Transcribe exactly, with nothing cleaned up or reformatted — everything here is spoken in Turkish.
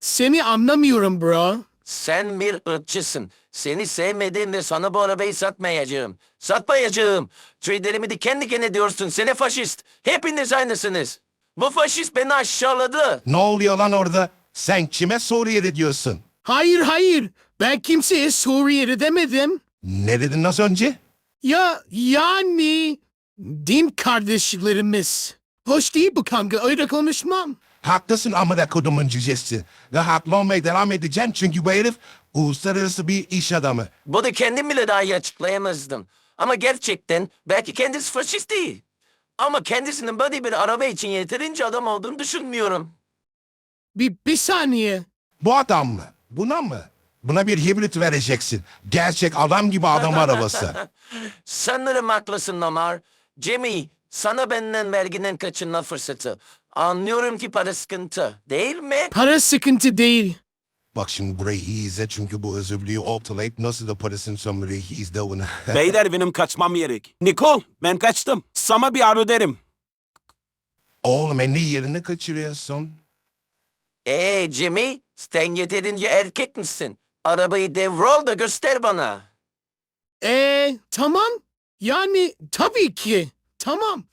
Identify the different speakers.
Speaker 1: Seni anlamıyorum bro.
Speaker 2: Sen bir ırkçısın. Seni sevmediğimde sana bu arabayı satmayacağım. Satmayacağım. Tüylerimi diken diken ediyorsun. Seni faşist. Hepiniz aynısınız. Bu faşist beni aşağıladı.
Speaker 3: Ne oluyor lan orada? Sen kime Suriye'de diyorsun?
Speaker 1: Hayır hayır. Ben kimseye Suriyeli demedim.
Speaker 3: Ne dedin az önce?
Speaker 1: Ya yani din kardeşlerimiz. Hoş değil bu kanka, öyle konuşmam.
Speaker 3: Haklısın amına kodumun cücesi. Ve haklı olmaya devam edeceğim çünkü bu herif uluslararası bir iş adamı.
Speaker 2: Bunu kendim bile daha iyi açıklayamazdım. Ama gerçekten belki kendisi faşist değil. Ama kendisinin böyle bir araba için yeterince adam olduğunu düşünmüyorum.
Speaker 1: Bir, bir saniye.
Speaker 3: Bu adam mı? Buna mı? Buna bir hibrit vereceksin. Gerçek adam gibi adam arabası.
Speaker 2: Sanırım haklısın Omar. Jimmy, sana benden verginin kaçınma fırsatı. Anlıyorum ki para sıkıntı, değil mi?
Speaker 1: Para sıkıntı değil.
Speaker 3: Bak şimdi burayı iyi izle çünkü bu özürlüğü ortalayıp nasıl da parasını sömürüyor izle onu.
Speaker 4: Beyler benim kaçmam gerek. Nikol ben kaçtım. Sana bir aro derim.
Speaker 3: Oğlum en iyi yerini kaçırıyorsun.
Speaker 2: Ee Jimmy, sen yeterince erkek misin? Arabayı devrol da göster bana.
Speaker 1: Ee tamam. Yani tabii ki. Tamam.